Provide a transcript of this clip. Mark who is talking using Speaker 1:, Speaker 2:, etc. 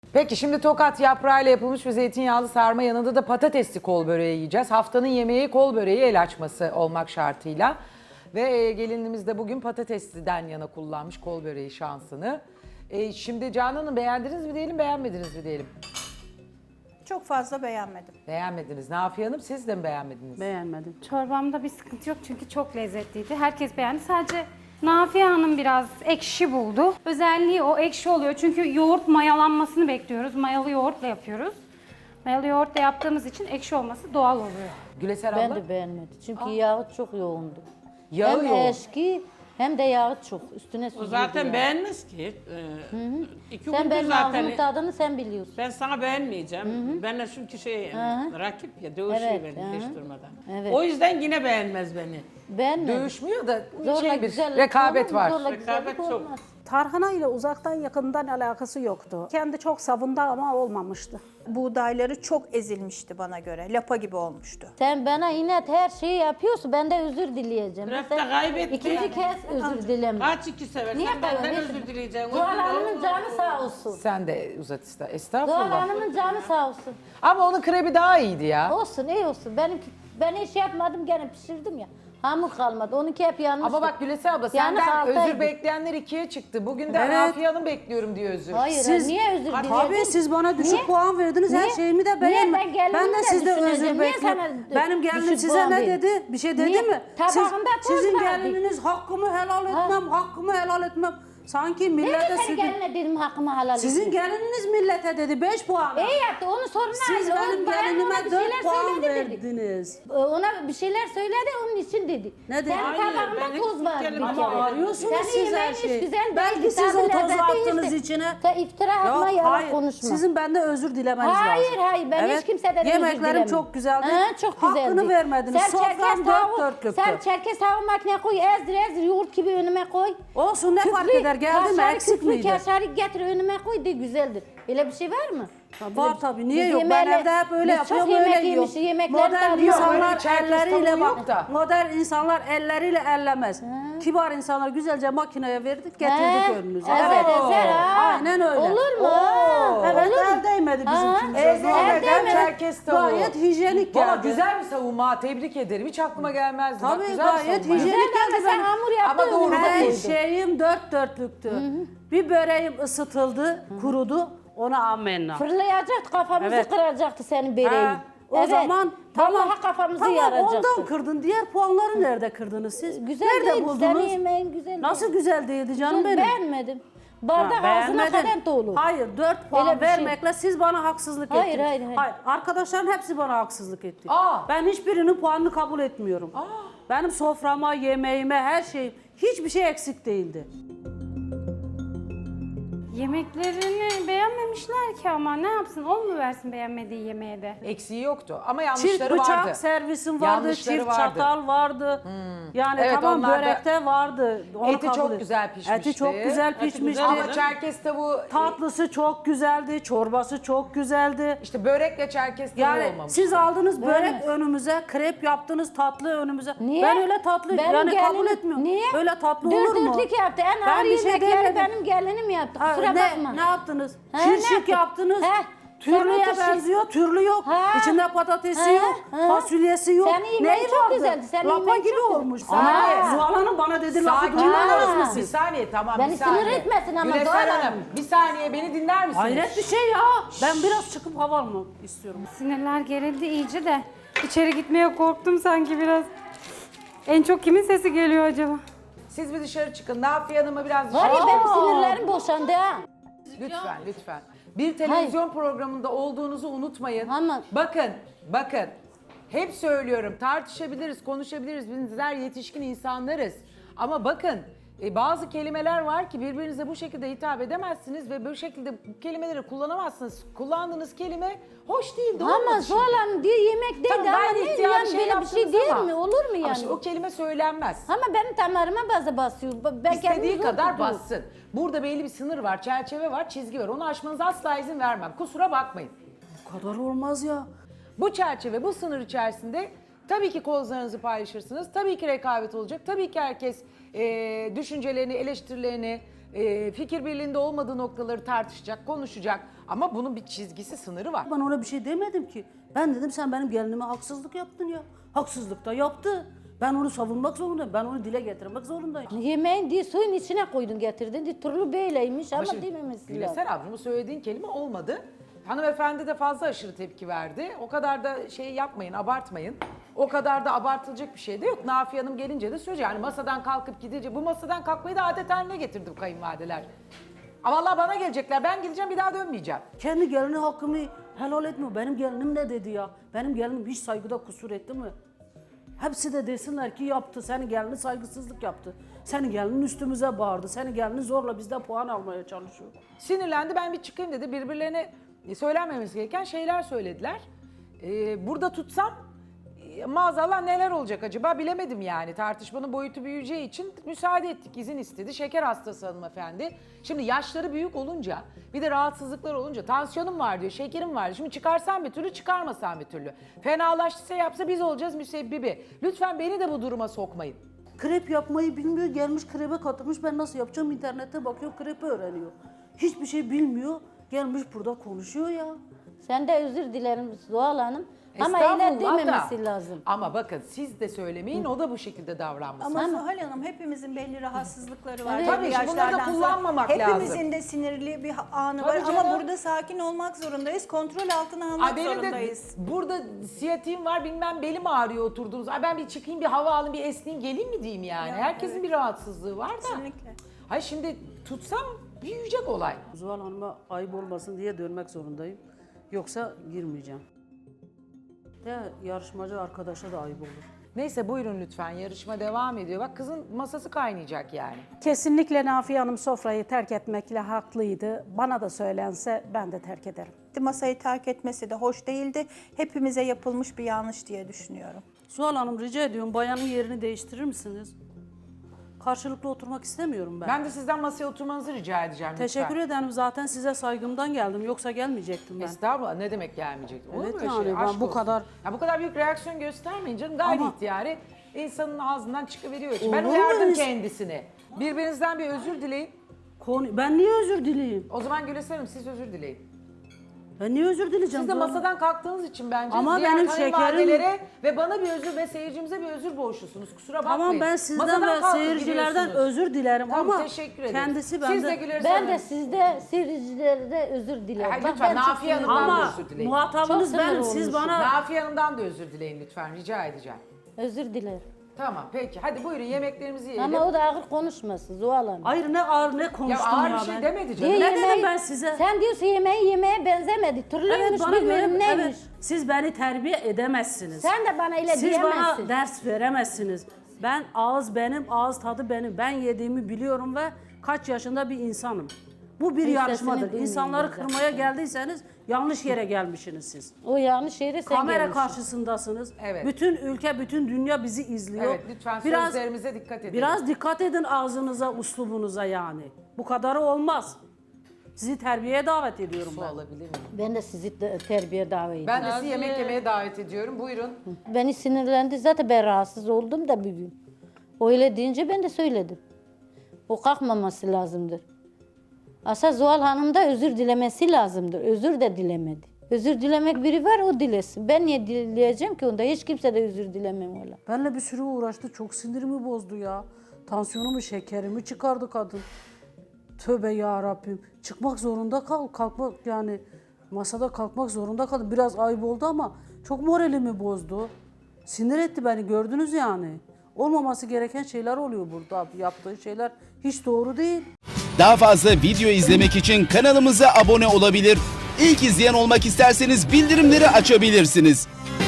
Speaker 1: Peki şimdi tokat yaprağıyla yapılmış bir zeytinyağlı sarma, yanında da patatesli kol böreği yiyeceğiz. Haftanın yemeği kol böreği el açması olmak şartıyla. Ve gelinimiz de bugün patatesliden yana kullanmış kol böreği şansını. Şimdi Canan Hanım, beğendiniz mi diyelim, beğenmediniz mi diyelim?
Speaker 2: Çok fazla beğenmedim.
Speaker 1: Beğenmediniz. Nafiye Hanım, siz de mi beğenmediniz?
Speaker 3: Beğenmedim.
Speaker 4: Çorbamda bir sıkıntı yok çünkü çok lezzetliydi. Herkes beğendi. Sadece Nafiye Hanım biraz ekşi buldu. Özelliği o ekşi oluyor. Çünkü yoğurt mayalanmasını bekliyoruz. Mayalı yoğurtla yapıyoruz. Mayalı yoğurtla yaptığımız için ekşi olması doğal oluyor.
Speaker 1: Güleser
Speaker 5: Ben
Speaker 1: abla?
Speaker 5: de beğenmedim. Çünkü yağı çok yoğundu.
Speaker 1: Yağı
Speaker 5: hem
Speaker 1: yoğun.
Speaker 5: eski hem de yağı çok. Üstüne
Speaker 6: O
Speaker 5: süzüldü
Speaker 6: zaten
Speaker 5: yani.
Speaker 6: beğenmez ki. İki
Speaker 5: Sen
Speaker 6: gündür
Speaker 5: benim
Speaker 6: zaten.
Speaker 5: ağzımın tadını sen biliyorsun.
Speaker 6: Ben sana beğenmeyeceğim. Benle çünkü rakip ya dövüşüyor
Speaker 5: Evet,
Speaker 6: beni hiç durmadan.
Speaker 5: Evet.
Speaker 6: O yüzden yine beğenmez beni.
Speaker 5: Beğenmedim.
Speaker 1: Dövüşmüyor da
Speaker 5: Zorla
Speaker 1: şey bir
Speaker 5: güzellik
Speaker 1: rekabet
Speaker 5: olur mu?
Speaker 1: var.
Speaker 5: Zorla
Speaker 6: Rekabet
Speaker 5: güzellik
Speaker 6: çok.
Speaker 5: olmaz.
Speaker 2: Tarhana ile uzaktan yakından alakası yoktu. Kendi çok savundu ama olmamıştı. Buğdayları çok ezilmişti bana göre. Lapa gibi olmuştu.
Speaker 5: Sen bana inat her şeyi yapıyorsun. Ben de özür dileyeceğim.
Speaker 6: Köfte
Speaker 5: Sen
Speaker 6: kaybetti.
Speaker 5: İkinci kez özür dileme.
Speaker 6: Kaç iki seversen
Speaker 5: Niye
Speaker 6: benden
Speaker 5: kaybediyorsun?
Speaker 6: özür dileyeceksin.
Speaker 5: Zuhal
Speaker 6: Özür
Speaker 5: Hanım'ın
Speaker 6: dilerim.
Speaker 5: canı sağ olsun.
Speaker 1: Sen de uzat iste.
Speaker 5: Zuhal
Speaker 1: Estağfurullah.
Speaker 5: Hanım'ın canı sağ olsun.
Speaker 1: Ama onun krebi daha iyiydi ya.
Speaker 5: Olsun iyi olsun. Ben hiç yapmadım gene pişirdim ya. Hamur kalmadı. Onunki hep yanlış.
Speaker 1: Ama bak Güleser abla,
Speaker 5: Yani
Speaker 1: senden
Speaker 5: altaydı.
Speaker 1: özür bekleyenler ikiye çıktı. Bugün de
Speaker 7: Evet.
Speaker 1: Nafiye Hanım bekliyorum diyor özür.
Speaker 5: Hayır,
Speaker 7: Siz-
Speaker 5: niye özür dileyeceğim?
Speaker 7: Tabii siz bana düşük
Speaker 5: Niye?
Speaker 7: puan verdiniz. Her
Speaker 5: Niye?
Speaker 7: şeyimi de
Speaker 5: Niye?
Speaker 7: beğenmedim.
Speaker 5: Ben gelinimi
Speaker 7: Ben de
Speaker 5: de
Speaker 7: sizde
Speaker 5: düşüneceğim.
Speaker 7: özür
Speaker 5: Niye
Speaker 7: bekliyorum.
Speaker 5: sana
Speaker 7: Benim gelinim
Speaker 5: düşük
Speaker 7: size
Speaker 5: puan
Speaker 7: ne
Speaker 5: verdi?
Speaker 7: dedi? Bir şey dedi
Speaker 5: Niye?
Speaker 7: mi?
Speaker 5: Tabağında toz
Speaker 7: Sizin
Speaker 5: vardı.
Speaker 7: gelininiz hakkımı helal etmem, hakkımı helal etmem. Sanki
Speaker 5: Ben de
Speaker 7: millete
Speaker 5: senin
Speaker 7: sürdü.
Speaker 5: geline dedim hakkımı helal
Speaker 7: Sizin
Speaker 5: etsin.
Speaker 7: gelininiz millete dedi 5 puan.
Speaker 5: İyi yaptı onun sorunu
Speaker 7: Siz
Speaker 5: aldı. O
Speaker 7: benim
Speaker 5: bayan ona
Speaker 7: gelinime
Speaker 5: bir
Speaker 7: 4
Speaker 5: şeyler
Speaker 7: puan
Speaker 5: söyledi dedi.
Speaker 7: verdiniz.
Speaker 5: Ona bir şeyler söyledi onun için dedi.
Speaker 7: Ne dedi?
Speaker 5: Senin
Speaker 6: Hayır, ben
Speaker 5: tabağında
Speaker 6: hiç
Speaker 5: toz var bir
Speaker 6: gelin-
Speaker 5: kere.
Speaker 6: Ama
Speaker 7: arıyorsunuz
Speaker 5: Senin
Speaker 7: siz her
Speaker 5: yemeğin hiç
Speaker 7: şeyi.
Speaker 5: güzel
Speaker 7: Belki
Speaker 5: değildi,
Speaker 7: siz
Speaker 5: tadı
Speaker 7: o tozu
Speaker 5: lezzetli
Speaker 7: attınız
Speaker 5: işte.
Speaker 7: içine.
Speaker 5: Sen iftira atma
Speaker 7: Yok,
Speaker 5: yalan
Speaker 7: hayır.
Speaker 5: konuşma.
Speaker 7: Sizin bende özür dilemeniz
Speaker 5: Hayır,
Speaker 7: lazım.
Speaker 5: hayır, ben hiç kimseden özür
Speaker 7: Yemeklerim
Speaker 5: dilemem.
Speaker 7: çok güzeldi.
Speaker 5: Ha, çok güzeldi.
Speaker 7: Hakkını vermediniz. Sofram dört dörtlüktü.
Speaker 5: Sen çerkez tavuğu makineye koy, ezdir yoğurt gibi önüme koy.
Speaker 7: Olsun ne fark eder? Geldi mi eksik miydi?
Speaker 5: Kaşarı getir önüme koy de güzeldir. Öyle bir şey var mı?
Speaker 7: Var tabii. Niye
Speaker 5: Biz
Speaker 7: yok? Ben
Speaker 5: yemeğle-
Speaker 7: evde hep öyle
Speaker 5: biz
Speaker 7: yapıyorum,
Speaker 5: çok yemek
Speaker 7: öyle yiyorum.
Speaker 5: yemişiz, yemeklerin
Speaker 7: Modern
Speaker 5: tadı yok.
Speaker 1: Öyle
Speaker 7: insanlar
Speaker 1: çerkez
Speaker 7: elleriyle
Speaker 1: tavuğu yok
Speaker 7: bak.
Speaker 1: da.
Speaker 7: Modern insanlar elleriyle ellemez. Kibar insanlar güzelce makineye verdik, getirdik
Speaker 5: He,
Speaker 7: önünüze.
Speaker 5: Evet, evet.
Speaker 7: Aynen öyle.
Speaker 5: Olur mu?
Speaker 7: Evet,
Speaker 5: Olur mu?
Speaker 7: el değmedi bizim
Speaker 5: Ha,
Speaker 7: için.
Speaker 1: Ezmeden çerkez tavuğu.
Speaker 7: Gayet hijyenik
Speaker 1: Valla
Speaker 7: geldi.
Speaker 1: güzel bir savunma, tebrik ederim. Hiç aklıma gelmezdi. Bak,
Speaker 7: Tabii
Speaker 1: güzel bir
Speaker 7: gayet
Speaker 1: savunma.
Speaker 7: hijyenik
Speaker 5: Güzel ama
Speaker 7: geldi.
Speaker 5: sen hamur yaptın
Speaker 1: Ama doğru
Speaker 5: önüme
Speaker 7: Her
Speaker 5: koydun.
Speaker 7: şeyim dört dörtlüktü. Bir böreğim ısıtıldı, kurudu. Ona amenna.
Speaker 5: Fırlayacaktı kafamızı
Speaker 7: Evet.
Speaker 5: kıracaktı senin bereğin.
Speaker 7: Ha, o zaman
Speaker 5: Vallahi kafamızı
Speaker 7: tamam,
Speaker 5: yaracaktı.
Speaker 7: ondan kırdın. Diğer puanları nerede kırdınız siz?
Speaker 5: Güzel
Speaker 7: Nerede
Speaker 5: değil,
Speaker 7: buldunuz?
Speaker 5: senin yemeğin güzel
Speaker 7: Nasıl
Speaker 5: değil.
Speaker 7: güzel değildi canım
Speaker 5: Güzel,
Speaker 7: benim?
Speaker 5: beğenmedim. Bardak
Speaker 7: Ha,
Speaker 5: ağzına
Speaker 7: beğenmedin.
Speaker 5: kadar dolu.
Speaker 7: Hayır 4 puan
Speaker 5: Öyle bir şey.
Speaker 7: vermekle siz bana haksızlık
Speaker 5: Hayır,
Speaker 7: ettiniz.
Speaker 5: hayır.
Speaker 7: Arkadaşların hepsi bana haksızlık etti.
Speaker 1: Aa.
Speaker 7: Ben hiçbirinin puanını kabul etmiyorum. Benim soframa, yemeğime, her şeyim hiçbir şey eksik değildi.
Speaker 4: Yemeklerini beğenmemişler ki ama ne yapsın? On mu versin beğenmediği yemeğe de?
Speaker 1: Eksiği yoktu ama
Speaker 7: Çift
Speaker 1: yanlışları
Speaker 7: bıçak
Speaker 1: vardı.
Speaker 7: servisim vardı,
Speaker 1: Yanlışları
Speaker 7: çift
Speaker 1: vardı.
Speaker 7: çatal vardı. Yani
Speaker 1: Evet,
Speaker 7: tamam
Speaker 1: onlar da-
Speaker 7: börekte vardı. Onu
Speaker 1: Eti
Speaker 7: kabul
Speaker 1: çok
Speaker 7: et-
Speaker 1: güzel pişmişti.
Speaker 7: Eti çok güzel
Speaker 6: Eti
Speaker 7: pişmişti.
Speaker 6: güzel
Speaker 1: Ama çerkez tavuğu,
Speaker 7: Tatlısı çok güzeldi, çorbası çok güzeldi.
Speaker 1: işte börekle çerkez tavuğu
Speaker 7: Yani
Speaker 1: olmamış.
Speaker 7: siz aldınız börek
Speaker 5: Beğenmez.
Speaker 7: önümüze, krep yaptınız tatlı önümüze.
Speaker 5: Niye?
Speaker 7: Ben öyle tatlı
Speaker 5: Benim
Speaker 7: yani kabul
Speaker 5: gelinim-
Speaker 7: etmiyorum.
Speaker 5: Niye?
Speaker 7: Öyle tatlı olur mu?
Speaker 5: Dörtlük yaptı. En
Speaker 7: Ben
Speaker 5: ağır
Speaker 7: bir şey
Speaker 5: yemekleri
Speaker 7: demedim.
Speaker 5: benim gelinim yaptı.
Speaker 7: Ha,
Speaker 5: Kusura bakma.
Speaker 7: ne yaptınız?
Speaker 5: Ha, ne
Speaker 7: Kirşik
Speaker 5: yaptık?
Speaker 7: yaptınız.
Speaker 5: Ha,
Speaker 7: Türlüye
Speaker 5: sen o
Speaker 7: benziyor, türlü yok.
Speaker 5: Ha.
Speaker 7: İçinde patatesi
Speaker 5: Ha,
Speaker 7: yok,
Speaker 5: ha.
Speaker 7: fasulyesi yok.
Speaker 5: Senin yemeğin çok
Speaker 7: vardı?
Speaker 5: güzeldi, senin
Speaker 7: Lapa
Speaker 5: yemeğin
Speaker 7: gibi
Speaker 5: çok güzel.
Speaker 7: olmuş.
Speaker 1: Ha.
Speaker 7: Zuhal Hanım bana dedi lafı
Speaker 1: Sakin
Speaker 7: duymadınız mı
Speaker 1: olun.
Speaker 7: siz?
Speaker 1: Bir saniye tamam
Speaker 5: Beni
Speaker 1: bir saniye.
Speaker 5: sinir etmesin ama
Speaker 1: Güleser
Speaker 5: Zuhal
Speaker 1: Hanım,
Speaker 5: Hanım.
Speaker 1: bir saniye beni dinler misiniz?
Speaker 7: Hayret bir şey ya. Ben biraz çıkıp hava almak istiyorum.
Speaker 4: Sinirler gerildi iyice de. İçeri gitmeye korktum sanki biraz. En çok kimin sesi geliyor acaba?
Speaker 1: Siz bir dışarı çıkın. Nafiye Hanım'a biraz
Speaker 5: Var ya
Speaker 1: dışarı
Speaker 5: benim sinirlerim boşandı ha.
Speaker 1: Lütfen, lütfen. Bir televizyon programında olduğunuzu unutmayın.
Speaker 5: Ama-
Speaker 1: Bakın. Hep söylüyorum, tartışabiliriz, konuşabiliriz. Bizler yetişkin insanlarız. Ama bakın, bazı kelimeler var ki birbirinize bu şekilde hitap edemezsiniz ve bu şekilde bu kelimeleri kullanamazsınız. Kullandığınız kelime hoş değildi.
Speaker 5: Ama
Speaker 1: olmadı şimdi.
Speaker 5: Zuhal Hanım diye yemek değil
Speaker 1: Tamam,
Speaker 5: ama
Speaker 1: gayri
Speaker 5: ne
Speaker 1: ihtiyari
Speaker 5: yani böyle bir şey
Speaker 1: yaptınız
Speaker 5: değil
Speaker 1: ama-
Speaker 5: mi? Olur mu
Speaker 1: Ama
Speaker 5: yani?
Speaker 1: şimdi o kelime söylenmez.
Speaker 5: Ama benim damarıma bazı basıyor. Ben
Speaker 1: İstediği
Speaker 5: kendimi zor
Speaker 1: kadar
Speaker 5: tutuyorum.
Speaker 1: bassın. Burada belli bir sınır var, çerçeve var, çizgi var. Onu aşmanıza asla izin vermem. Kusura bakmayın.
Speaker 7: Bu kadar olmaz ya.
Speaker 1: Bu çerçeve, bu sınır içerisinde tabii ki kozlarınızı paylaşırsınız. Tabii ki rekabet olacak. Tabii ki herkes düşüncelerini, eleştirilerini Fikir birliğinde olmadığı noktaları tartışacak, konuşacak. Ama bunun bir çizgisi, sınırı var.
Speaker 7: Ben ona bir şey demedim ki. Ben dedim sen benim gelinime haksızlık yaptın ya. Haksızlık da yaptı. Ben onu savunmak zorundayım. Ben onu dile getirmek zorundayım.
Speaker 5: Yemeğin diye suyun içine koydun getirdin. Diye, turlu böyleymiş ama
Speaker 1: şimdi
Speaker 5: dememesi lazım.
Speaker 1: Güleser abla bu söylediğin kelime olmadı. Hanımefendi de fazla aşırı tepki verdi. O kadar da şey yapmayın, abartmayın. O kadar da abartılacak bir şey de yok. Nafiye Hanım gelince de söyleyecek. Yani masadan kalkıp gidince, bu masadan kalkmayı da adet haline getirdim kayınvalideler. Ama vallahi bana gelecekler, ben gideceğim bir daha dönmeyeceğim.
Speaker 7: Kendi gelini hakkımı helal etmiyor. Benim gelinim ne dedi ya? Benim gelinim hiç saygıda kusur etti mi? Hepsi de desinler ki yaptı. Senin gelinin saygısızlık yaptı. Senin gelinin üstümüze bağırdı. Senin gelinin zorla bizden puan almaya çalışıyor.
Speaker 1: Sinirlendi, ben bir çıkayım dedi. Birbirlerine söylenmemesi gereken şeyler söylediler. Burada tutsam maazallah neler olacak acaba bilemedim yani. Tartışmanın boyutu büyüyeceği için müsaade ettik, izin istedi. Şeker hastası hanımefendi. Şimdi yaşları büyük olunca, bir de rahatsızlıklar olunca, tansiyonum var diyor, şekerim var diyor. Şimdi çıkarsam bir türlü, çıkarmasam bir türlü. Fenalaştıysa yapsa biz olacağız müsebbibi. Lütfen beni de bu duruma sokmayın.
Speaker 7: Krep yapmayı bilmiyor. Gelmiş krebe katılmış. Ben nasıl yapacağım? İnternette bakıyor, krepi öğreniyor. Hiçbir şey bilmiyor. Gelmiş burada konuşuyor ya.
Speaker 5: Sen de özür dilerim Zuhal Hanım. Ama öyle
Speaker 1: Estağfurullah
Speaker 5: dememesi
Speaker 1: da.
Speaker 5: lazım.
Speaker 1: Ama bakın siz de söylemeyin, o da bu şekilde davranmasın.
Speaker 3: Ama Zuhal Hanım hepimizin belli rahatsızlıkları var.
Speaker 5: Evet.
Speaker 1: Tabii ki, bunları da
Speaker 3: Yaşlardan
Speaker 1: kullanmamak
Speaker 3: sonra.
Speaker 1: lazım.
Speaker 3: Hepimizin de sinirli bir anı
Speaker 1: Tabii
Speaker 3: var
Speaker 1: canım.
Speaker 3: ama burada sakin olmak zorundayız. Kontrol altına almak
Speaker 1: Ay benim
Speaker 3: zorundayız.
Speaker 1: de burada siyatiğim var, bilmem belim ağrıyor oturduğunuz. Ay ben bir çıkayım, bir hava alayım, bir esneyim, geleyim mi diyeyim yani.
Speaker 3: Ya,
Speaker 1: Herkesin
Speaker 3: evet.
Speaker 1: bir rahatsızlığı var da.
Speaker 3: Kesinlikle.
Speaker 1: Ay şimdi tutsam büyüyecek olay.
Speaker 7: Zuhal Hanım'a ayıp olmasın diye dönmek zorundayım. Yoksa girmeyeceğim. De yarışmacı arkadaşa da ayıp olur.
Speaker 1: Neyse buyurun lütfen, yarışma devam ediyor. Bak kızın masası kaynayacak yani.
Speaker 2: Kesinlikle Nafiye Hanım sofrayı terk etmekle haklıydı. Bana da söylense ben de terk ederim.
Speaker 3: Masayı terk etmesi de hoş değildi. Hepimize yapılmış bir yanlış diye düşünüyorum.
Speaker 7: Zuhal Hanım rica ediyorum bayanın yerini değiştirir misiniz? Karşılıklı oturmak istemiyorum ben.
Speaker 1: Ben de sizden masaya oturmanızı rica edeceğim lütfen.
Speaker 7: Teşekkür ederim. Zaten size saygımdan geldim. Yoksa gelmeyecektim ben.
Speaker 1: Estağfurullah, ne demek gelmeyecek? Olur
Speaker 7: Evet
Speaker 1: mu öyle
Speaker 7: yani
Speaker 1: şey?
Speaker 7: ben
Speaker 1: Aşk
Speaker 7: bu
Speaker 1: olsun.
Speaker 7: kadar-
Speaker 1: Ya bu kadar büyük reaksiyon göstermeyin canım. Gayri
Speaker 7: Ama-
Speaker 1: ihtiyari insanın ağzından çıkıveriyor.
Speaker 7: Olur
Speaker 1: Ben
Speaker 7: mu
Speaker 1: uyardım
Speaker 7: öyle-
Speaker 1: kendisini. Birbirinizden bir özür dileyin.
Speaker 7: Ben niye özür dileyim?
Speaker 1: O zaman Güleser Hanım siz özür dileyin.
Speaker 7: Ben niye özür dileyeceğim?
Speaker 1: Siz de
Speaker 7: Zuhal Hanım?
Speaker 1: masadan kalktığınız için bence
Speaker 7: Ama
Speaker 1: diğer
Speaker 7: benim
Speaker 1: kayınvalidelere ve bana bir özür ve seyircimize bir özür borçlusunuz. Kusura bakmayın.
Speaker 7: Tamam ben sizden
Speaker 1: Masadan
Speaker 7: ve
Speaker 1: kalkıp
Speaker 7: seyircilerden
Speaker 1: gidiyorsunuz.
Speaker 7: özür dilerim
Speaker 1: Tamam,
Speaker 7: ama
Speaker 1: teşekkür ederim.
Speaker 7: kendisi
Speaker 1: Siz
Speaker 7: bende...
Speaker 1: de Güleser
Speaker 5: Ben
Speaker 1: Hanım.
Speaker 5: de sizde seyircilerde özür dilerim.
Speaker 1: Hayır,
Speaker 5: Bak,
Speaker 1: lütfen
Speaker 5: ben çok
Speaker 1: Nafiye
Speaker 5: sinirliyim.
Speaker 1: Hanım'dan da
Speaker 7: Ama
Speaker 1: özür dileyin.
Speaker 7: muhatabınız
Speaker 5: Çok sinir
Speaker 7: benim. Siz
Speaker 5: olmuşum.
Speaker 7: bana...
Speaker 1: Nafiye Hanım'dan da özür dileyin lütfen. Rica edeceğim.
Speaker 5: Özür dilerim.
Speaker 1: Tamam peki. Hadi buyurun yemeklerimizi yiyelim.
Speaker 5: Ama o da ağır konuşmasın Zuhal Hanım.
Speaker 7: Hayır ne ağır ne
Speaker 1: ya
Speaker 7: konuştum
Speaker 1: ağır
Speaker 7: ya
Speaker 1: bir şey
Speaker 7: ben.
Speaker 1: demedi canım.
Speaker 5: Diye
Speaker 7: Ne dedim
Speaker 5: yemeği-
Speaker 7: ben size?
Speaker 5: Sen diyorsun yemeğe benzemedi. Türlüymüş
Speaker 7: Evet bana göre
Speaker 5: bilmiyorum neymiş.
Speaker 7: evet, siz beni terbiye edemezsiniz.
Speaker 5: Sen de bana öyle
Speaker 7: Siz
Speaker 5: diyemezsin.
Speaker 7: bana ders veremezsiniz. Ben ağız benim, ağız tadı benim. Ben yediğimi biliyorum ve kaç yaşında bir insanım. Bu bir
Speaker 5: Hiç
Speaker 7: yarışmadır.
Speaker 5: sesini
Speaker 7: İnsanları
Speaker 5: duymuyorum
Speaker 7: kırmaya geldiyseniz yanlış yere gelmişsiniz siz.
Speaker 5: O yanlış yere sen
Speaker 7: Kamera
Speaker 5: gelmişsin.
Speaker 7: karşısındasınız.
Speaker 1: Evet.
Speaker 7: Bütün ülke, bütün dünya bizi izliyor.
Speaker 1: Evet lütfen sözlerimize dikkat edin.
Speaker 7: Biraz dikkat edin ağzınıza, uslubunuza yani. Bu kadarı olmaz. Sizi terbiyeye davet ediyorum
Speaker 1: Su
Speaker 7: ben.
Speaker 1: alabilir miyim?
Speaker 5: Ben de sizi terbiye davet ediyorum.
Speaker 1: Ben de sizi yemek yemeye davet ediyorum. Buyurun.
Speaker 5: Beni sinirlendi. Zaten ben rahatsız oldum da bugün. Öyle deyince ben de söyledim. O kalkmaması lazımdır. Asıl Zuhal Hanım da özür dilemesi lazımdır. Özür de dilemedi. Özür dilemek biri var o dilesin. Ben niye dileyeceğim ki onda? Hiç kimse de özür dilemem öyle.
Speaker 7: Benle bir sürü uğraştı. Çok sinirimi bozdu ya. Tansiyonumu, şekerimi çıkardı kadın. Tövbe ya Rabbim. Çıkmak zorunda kalkmak yani masada kalkmak zorunda kaldım. Biraz ayıp oldu ama çok moralimi bozdu. Sinir etti beni gördünüz yani. Olmaması gereken şeyler oluyor burada. Yaptığı şeyler hiç doğru değil.
Speaker 8: Daha fazla video izlemek için kanalımıza abone olabilir. İlk izleyen olmak isterseniz bildirimleri açabilirsiniz.